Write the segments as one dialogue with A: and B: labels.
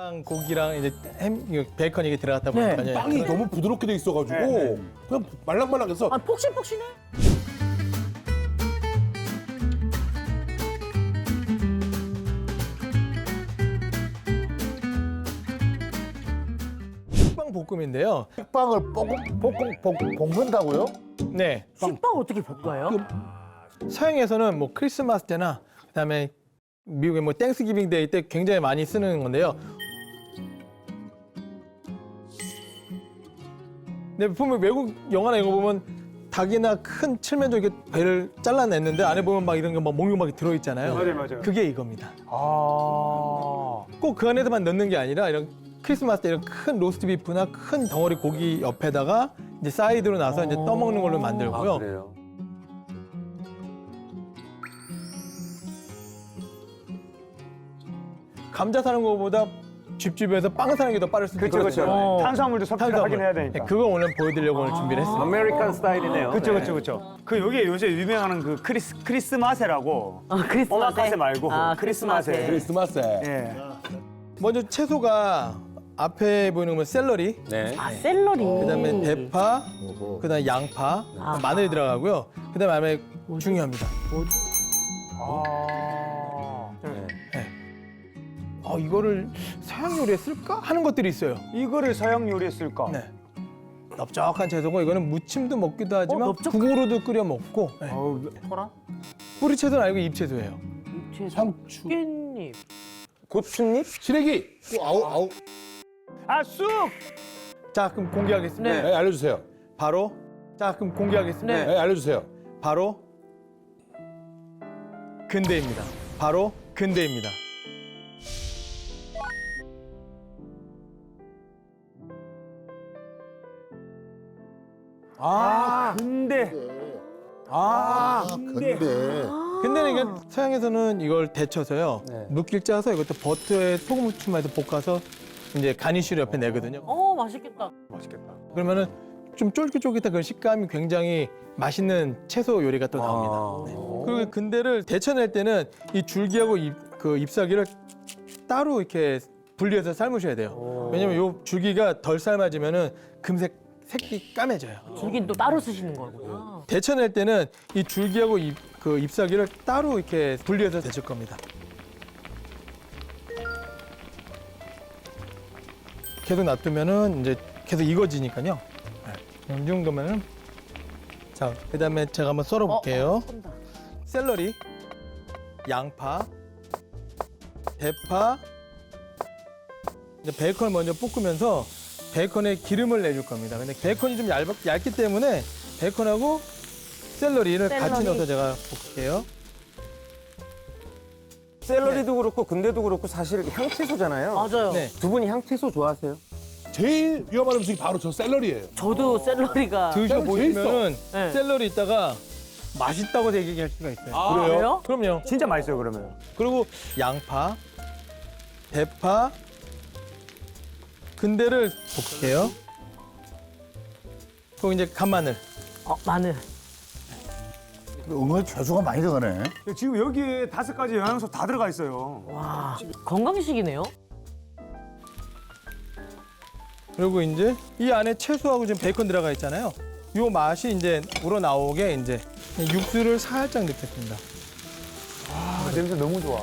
A: 고기랑 이제 베이컨 이게 들어갔다 보니까
B: 네.
C: 빵이 너무 부드럽게 돼 있어가지고
B: 네.
C: 그냥 말랑말랑해서
B: 아, 폭신폭신해.
A: 식빵 볶음인데요.
D: 식빵을 볶는다고요?
A: 네,
B: 식빵 어떻게 볶아요?
A: 서양에서는 뭐 크리스마스 때나 그다음에 미국의 뭐 땡스기빙 데이 때 굉장히 많이 쓰는 건데요. 근데 보면 외국 영화나 이거 보면 닭이나 큰 칠면조 이렇게 배를 잘라냈는데 안에 보면 막 이런 게 막 몽유 막 들어있잖아요.
E: 맞아요.
A: 그게 이겁니다.
E: 아.
A: 꼭 그 안에서만 넣는 게 아니라 이런 크리스마스 때 이런 큰 로스트 비프나 큰 덩어리 고기 옆에다가 이제 사이드로 나서 이제 떠먹는 걸로 만들고요.
E: 그래요.
A: 감자 사는 것보다 집집에서 빵 사는 게 더 빠를 수도
E: 그렇죠,
A: 있거든요.
E: 그렇죠. 탄수화물도 섭취를 하긴 해야 되니까.
A: 네, 그거 오늘 보여드리려고 오늘 준비를 했습니다.
E: 아메리칸 스타일이네요. 그렇죠. 그 여기 요새 유명한 그 크리스마세라고.
B: 크리스마세.
E: 오마카세 말고
B: 아,
E: 크리스마세.
C: 크리스마스에
E: 예.
A: 먼저 채소가 앞에 보이는 건 샐러리,
E: 네.
B: 아, 샐러리.
A: 그다음에 대파, 그다음에 양파,
B: 아하.
A: 마늘이 들어가고요. 그다음에 안에 중요합니다.
E: 아.
A: 이거를 서양 요리에 쓸까 하는 것들이 있어요.
E: 이거를 서양 요리에 쓸까?
A: 네. 넓적한 채소고 이거는 무침도 먹기도 하지만
B: 넓적한-
A: 국으로도 끓여 먹고. 네.
E: 소라?
A: 뿌리 채소는 아니고 잎 채소예요.
C: 상추,
B: 깻잎.
E: 고추잎?
C: 시래기.
D: 아우.
E: 아, 쑥!
A: 자, 그럼 공개하겠습니다.
C: 네, 알려주세요.
A: 바로 자, 그럼 공개하겠습니다.
C: 네, 알려주세요.
A: 바로 근대입니다. 바로 근대입니다.
E: 근데.
D: 근데
A: 근데는 이게 서양에서는 이걸 데쳐서요.
E: 네.
A: 물기를 짜서 이것도 버터에 소금 후추만해서 볶아서 이제 가니쉬를 옆에 내거든요.
B: 맛있겠다.
E: 맛있겠다.
A: 그러면은 좀 쫄깃쫄깃한 그런 식감이 굉장히 맛있는 채소 요리가 또 나옵니다. 네. 그리고 근대를 데쳐낼 때는 이 줄기하고 그 잎사귀를 따로 이렇게 분리해서 삶으셔야 돼요. 왜냐면 이 줄기가 덜 삶아지면은 금세 색이 까매져요.
B: 줄긴 또 따로 쓰시는 거구나.
A: 데쳐낼 때는 이 줄기하고 그 잎사귀를 따로 이렇게 분리해서 데칠 겁니다. 계속 놔두면은 이제 계속 익어지니까요. 네. 이 정도면은 자, 그다음에 제가 한번 썰어 볼게요.
B: 쏜다.
A: 샐러리, 양파, 대파, 이제 베이컨을 먼저 볶으면서 베이컨에 기름을 내줄 겁니다. 근데 베이컨이 좀 얇기 때문에 베이컨하고 샐러리를 같이
B: 샐러리.
A: 넣어서 제가 볶을게요.
F: 샐러리도 그렇고 근대도 그렇고 사실 향채소잖아요.
B: 맞아요.
A: 네.
F: 두 분이 향채소 좋아하세요?
C: 제일 위험한 음식이 바로 저 샐러리예요.
B: 저도 샐러리가.
A: 드셔보시면은
B: 네.
A: 샐러리 있다가 맛있다고 얘기할 수가 있어요.
B: 그래요?
A: 그럼요.
E: 진짜 맛있어요, 그러면.
A: 그리고 양파, 대파, 근대를 볶을게요. 그리고 이제 간마늘.
B: 마늘.
D: 은근히 채소가 많이 들어가네.
E: 지금 여기에 5가지 영양소 다 들어가 있어요.
B: 와, 건강식이네요.
A: 그리고 이제 이 안에 채소하고 지금 베이컨 들어가 있잖아요. 요 맛이 이제 우러나오게 이제 육수를 살짝 넣겠습니다.
E: 아, 냄새 너무 좋아.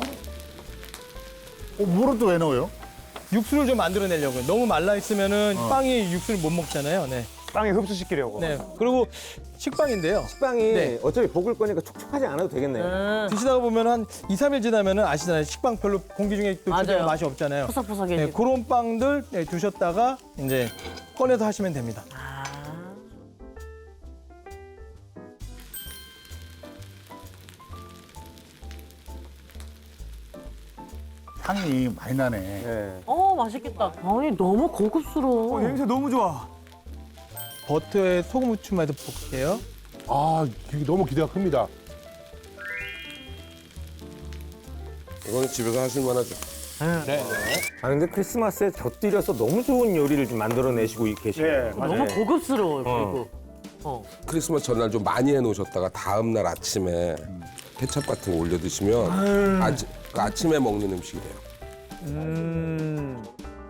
D: 물은 또 왜 넣어요?
A: 육수를 좀 만들어내려고요. 너무 말라 있으면은 빵이 육수를 못 먹잖아요. 네.
E: 빵에 흡수시키려고.
A: 네. 그리고 식빵인데요.
F: 식빵이
A: 네.
F: 어차피 볶을 거니까 촉촉하지 않아도 되겠네요.
A: 드시다가 보면 한 2, 3일 지나면은 아시잖아요. 식빵 별로 공기 중에 또
B: 맞아요.
A: 제대로 맛이 없잖아요.
B: 포석포석해지고.
A: 네, 그런 빵들 두셨다가 이제 꺼내서 하시면 됩니다.
B: 아.
D: 향이 많이 나네.
F: 네.
B: 맛있겠다. 아니, 너무 고급스러워.
E: 냄새 너무 좋아.
A: 버터에 소금 후추만 해서 볶을게요.
C: 아, 이게 너무 기대가 큽니다.
G: 이거는 집에서 하실 만하죠.
F: 아 근데 크리스마스에 곁들여서 너무 좋은 요리를 좀 만들어내시고 계시네요.
E: 예, 맞아요.
B: 너무 고급스러워요, 그리고.
G: 크리스마스 전날 좀 많이 해놓으셨다가 다음 날 아침에 케찹 같은 거 올려 드시면 아침에 먹는 음식이 돼요.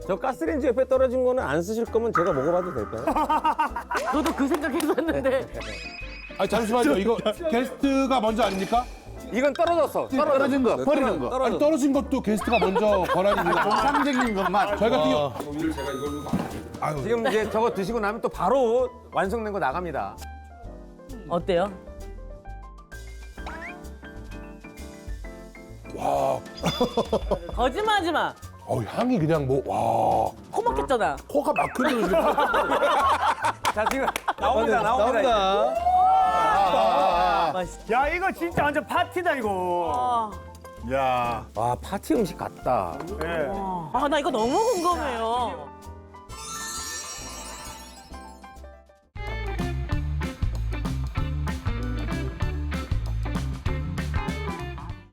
F: 저 가스레인지 옆에 떨어진 거는 안 쓰실 거면 제가 먹어봐도 될까요?
B: 저도 그 생각했었는데.
C: 아 잠시만요. 이거 게스트가 먼저 아닙니까?
F: 이건 떨어졌어.
D: 떨어진 거, 버리는 거.
C: 아니 떨어진 것도 게스트가 먼저 권한입니다.
D: 정상적인 것만.
C: 저희 같은 경우 아유,
F: 지금 이제 저거 드시고 나면 또 바로 완성된 거 나갑니다.
B: 어때요?
C: 와,
B: 거짓말하지 마.
C: 향이 그냥 뭐 와,
B: 코 막혔잖아.
C: 코가 막히는 지금.
F: 자, 지금 나옵니다.
A: 나온다.
B: 맛있.
E: 야 이거 진짜 완전 파티다 이거.
D: 야.
F: 와, 파티 음식 같다.
E: 예.
B: 아, 나 이거 너무 궁금해요.